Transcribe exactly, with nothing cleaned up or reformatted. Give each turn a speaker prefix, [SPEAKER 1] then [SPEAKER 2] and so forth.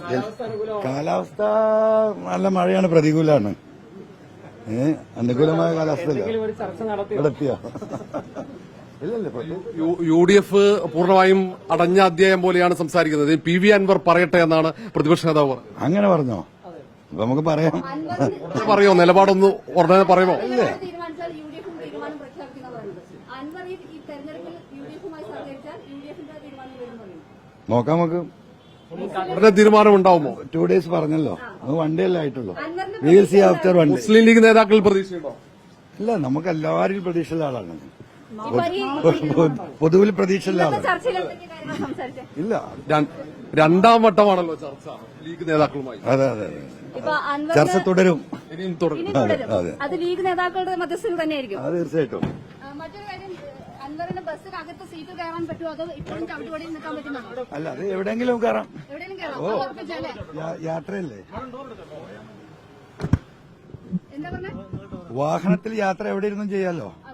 [SPEAKER 1] കാലാവസ്ഥ നല്ല മഴയാണ്, പ്രതികൂലമാണ്. ഏഹ് അനുകൂലമായ കാലാവസ്ഥ നടത്തിയോ?
[SPEAKER 2] യു ഡി എഫ് പൂർണ്ണമായും അടഞ്ഞ അധ്യായം പോലെയാണ് സംസാരിക്കുന്നത്. പി വി അൻവർ പറയട്ടെ എന്നാണ് പ്രതിപക്ഷ നേതാവ് പറഞ്ഞത്.
[SPEAKER 1] അങ്ങനെ പറഞ്ഞോ? അപ്പൊ നമുക്ക് പറയാം.
[SPEAKER 2] പറയോ നിലപാടൊന്ന് ഉടനെ പറയുമോ?
[SPEAKER 1] ഇല്ലേ, നോക്കാം നമുക്ക്.
[SPEAKER 2] ഉടനെ തീരുമാനം ഉണ്ടാവുമോ?
[SPEAKER 1] ടു ഡേയ്സ് പറഞ്ഞല്ലോ, അത് വൺ ഡേ അല്ലേ ആയിട്ടുള്ളൂ. We will see after one day.
[SPEAKER 2] Muslim League നേതാക്കളിൽ പ്രതീക്ഷയുണ്ടോ?
[SPEAKER 1] ഇല്ല, നമുക്ക് എല്ലാവരും പ്രതീക്ഷയുള്ള ആളാണ്. പൊതുവിൽ പ്രതീക്ഷയുള്ള ആളാണ്. ഇല്ല,
[SPEAKER 2] രണ്ടാം വട്ടമാണല്ലോ ചർച്ച ലീഗ് നേതാക്കളുമായി.
[SPEAKER 1] അതെ അതെ, ചർച്ച തുടരും.
[SPEAKER 2] ഇനിയും തുടരും.
[SPEAKER 3] അത് ലീഗ് നേതാക്കളുടെ മധ്യസ്ഥയിൽ തന്നെയായിരിക്കും.
[SPEAKER 1] അത് തീർച്ചയായിട്ടും.
[SPEAKER 3] മറ്റൊരു കാര്യം, അൻവറിന് ബസ്സിനകത്ത് സീറ്റ് കയറാൻ പറ്റുമോ അതോ ഇപ്പോഴും ചവിട്ടുപടിയിൽ നിൽക്കാൻ പറ്റുന്നതാണോ?
[SPEAKER 1] അല്ല, അത് എവിടെയെങ്കിലും കയറാം.
[SPEAKER 3] എവിടെയെങ്കിലും കയറാം.
[SPEAKER 1] യാത്രയല്ലേ,
[SPEAKER 3] എന്താ പറഞ്ഞ
[SPEAKER 1] വാഹനത്തിൽ യാത്ര എവിടെ ഇരുന്നും ചെയ്യാലോ.